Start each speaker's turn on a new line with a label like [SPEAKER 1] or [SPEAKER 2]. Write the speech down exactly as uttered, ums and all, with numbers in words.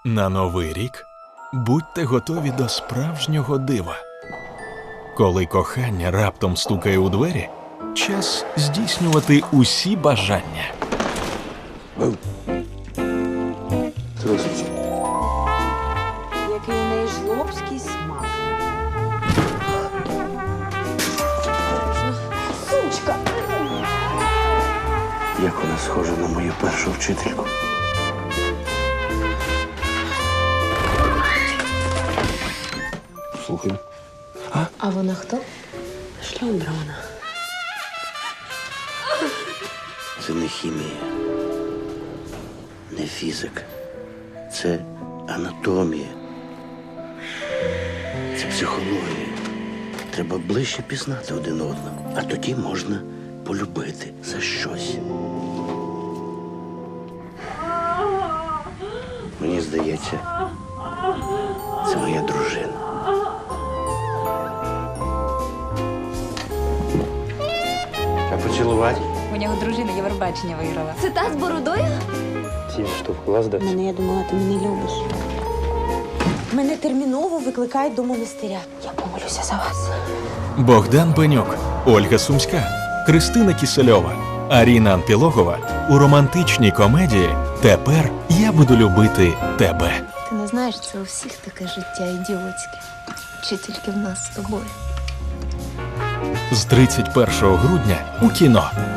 [SPEAKER 1] На Новий рік будьте готові до справжнього дива. Коли кохання раптом стукає у двері, час здійснювати усі бажання.
[SPEAKER 2] Трошечки.
[SPEAKER 3] Який у неї жлобський смак. Сучка!
[SPEAKER 2] Як вона схожа на мою першу вчительку. Слухай.
[SPEAKER 3] А вона хто?
[SPEAKER 2] Шльондра вона. Це не хімія, не фізика. Це анатомія. Це психологія. Треба ближче пізнати один одного. А тоді можна полюбити за щось. Мені здається, це моя дружина. А поцілувати?
[SPEAKER 4] У нього дружина Євробачення виграла.
[SPEAKER 5] Це та з бородою?
[SPEAKER 2] Ті, що в клас дати.
[SPEAKER 3] Мене, я думала, ти мене любиш. Мене терміново викликають до монастиря. Я помолюся за вас.
[SPEAKER 1] Богдан Пеньок, Ольга Сумська, Кристина Кісельова, Аріна Анпілогова у романтичній комедії «Тепер я буду любити тебе».
[SPEAKER 5] Ти не знаєш, це у всіх таке життя ідіотське. Чи тільки в нас з тобою?
[SPEAKER 1] З тридцять першого грудня у кіно.